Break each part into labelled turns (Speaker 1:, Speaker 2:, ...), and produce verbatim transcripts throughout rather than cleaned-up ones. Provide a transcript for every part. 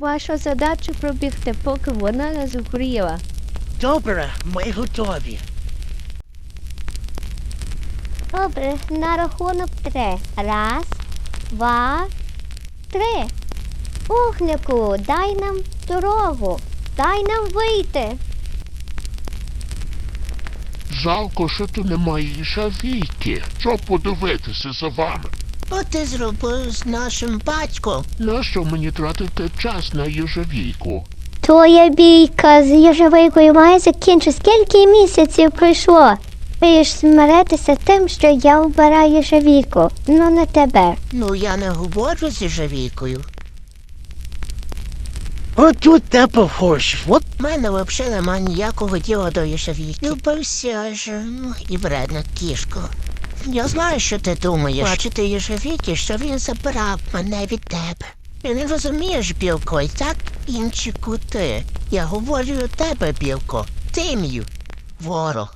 Speaker 1: Ваша задача пробігти, поки вона не згоріла.
Speaker 2: Добре, ми готові.
Speaker 3: Добре, на рахунок три. Раз, два, три. Вогнику, дай нам дорогу. Дай нам вийти.
Speaker 4: Жалко, що тут немає їжавійки, щоб подивитися за вами.
Speaker 2: Що ти зробив з нашим батьком?
Speaker 4: Нащо мені тратити час на їжавійку?
Speaker 3: Твоя бійка з їжевикою має закінчитися. Скільки місяців пройшло? Ти ж змиритися тим, що я вбираю їжевіку, ну не тебе.
Speaker 2: Ну, я не говорю з їжавійкою. От тут те похож. От в мене взагалі нема ніякого діла до їжавійки. Любився ж, ну, і вредна кішко. Я знаю, що ти думаєш. Бачити їжавійки, що він забрав мене від тебе. Ти не розумієш, Білко, і так інші кути. Я говорю до тебе, Білко. Ти мій ворог.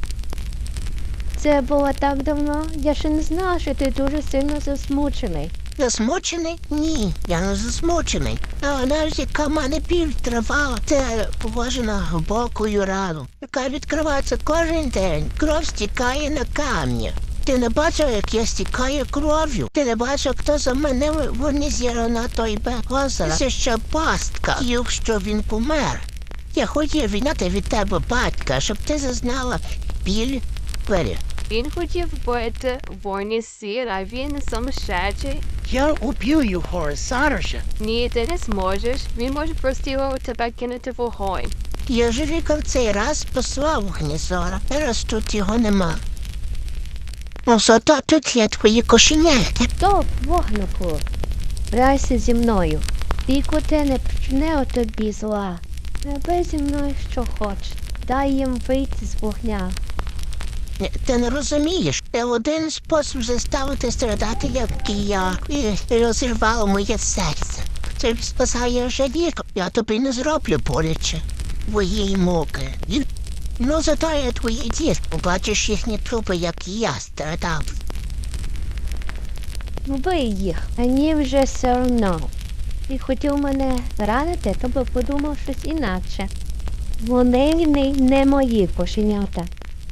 Speaker 1: Це було так давно, я ще не знала, що ти дуже сильно засмучений.
Speaker 2: Засмучений? Ні, я не засмучений. А навіть яка в мене біль тривала, це похоже на глибоку рану, яка відкривається кожен день. Кров стікає на камні. Ти не бачив, як я стікаю кров'ю? Ти не бачив, хто за мене винизіра на той берег озера? Це ще пастка, якщо він помер. Я хотів відняти від тебе батька, щоб ти зазнала біль пері.
Speaker 5: Він хотів бути вольний сір, а він сумасшедший.
Speaker 2: Я уб'ю його зараз же.
Speaker 5: Ні, ти не зможеш. Він може просто тебе кинути в вогонь.
Speaker 2: Я ж в цей раз послав Гнізора. Зараз тут його нема. Ну, зато тут є твої кошенята.
Speaker 1: Стоп, вогнику. Грайся зі мною. І коти не причине у тобі зла. Роби зі мною, що хочеш. Дай їм вийти з вогня.
Speaker 2: Ні, ти не розумієш. Це один спосіб заставити страдати, як і я. І розірвало моє серце. Це спасає жаліку. Я тобі не зроблю боляче. Твої муки. І... Ну, зато я твої діти. Побачиш їхні трупи, як і я страдав.
Speaker 1: Вбий їх, мені вже все одно. Ти хотів мене ранити, то би подумав щось інакше. Вони не, не мої кошенята.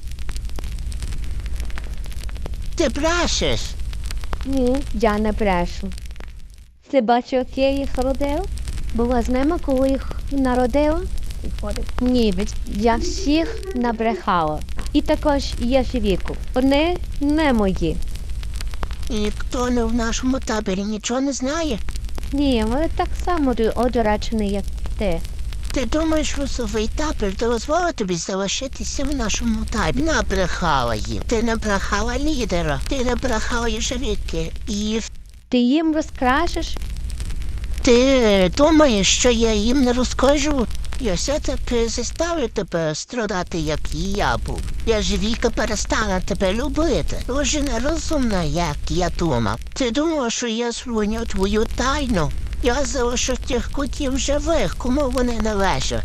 Speaker 2: Ти брешеш.
Speaker 1: Ні, я не брешу. Ти бачив, як я їх родив? Була з ними, коли їх народила? Ні, ведь я всіх набрехала. І також є віку. Вони не мої.
Speaker 2: І ніхто не в нашому таборі нічого не знає.
Speaker 1: Ні, вони так само одурачені, як ти.
Speaker 2: Ти думаєш, русовий табір дозволить тобі залишитися в нашому таборі? Набрехала їм. Ти набрехала лідера. Ти набрехала їжевіки. І
Speaker 1: Ти їм розкажеш?
Speaker 2: ти думаєш, що я їм не розкажу? Я все-таки заставлю тебе страдати, як і я був. Я ж Віка перестала тебе любити. Дуже нерозумна, як я думав. Ти думав, що я зруйню твою тайну? Я залишу тих котів живих, кому вони належать.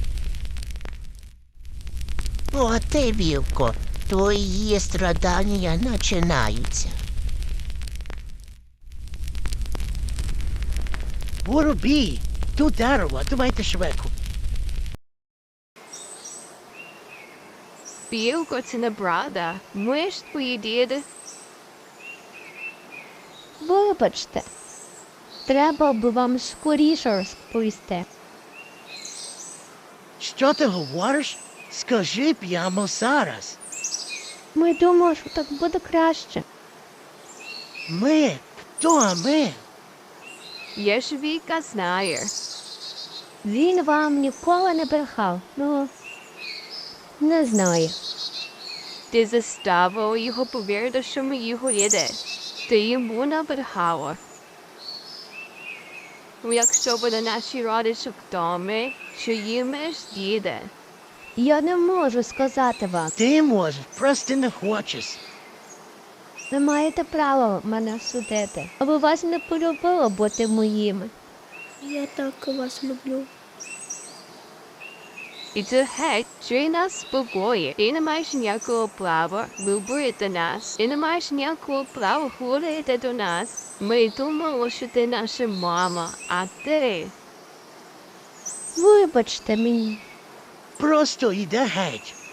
Speaker 2: О, ти, Вівко, твої страдання починаються. Воробій, тут дерево, давайте швидко.
Speaker 5: Білко, це неправда. Ми ж твої діди.
Speaker 1: Вибачте. Треба б вам скоріше розповісти.
Speaker 2: Що ти говориш? Скажи прямо зараз.
Speaker 1: Ми думали, що так буде краще.
Speaker 2: Ми? Хто ми?
Speaker 5: Є ж Віка знає.
Speaker 1: Він вам ніколи не брехав. Ну, не знаю.
Speaker 5: Ти заставив його повірити, що ми його діди. Ти йому набрехала. Якщо буде наші родичі вдома, що їм ж діди.
Speaker 1: Я не можу сказати вам.
Speaker 2: Ти можеш, просто не хочеш.
Speaker 1: Ви маєте право мене судити. Аби вас не полюбило бути моїми.
Speaker 3: Я так вас люблю.
Speaker 5: І це геть, що й нас спокоює. Ти не маєш ніякого права любити нас. Ти не маєш ніякого права говорити до нас. Ми думали, що ти наша мама, а ти...
Speaker 1: Вибачте мені.
Speaker 2: Просто йде геть.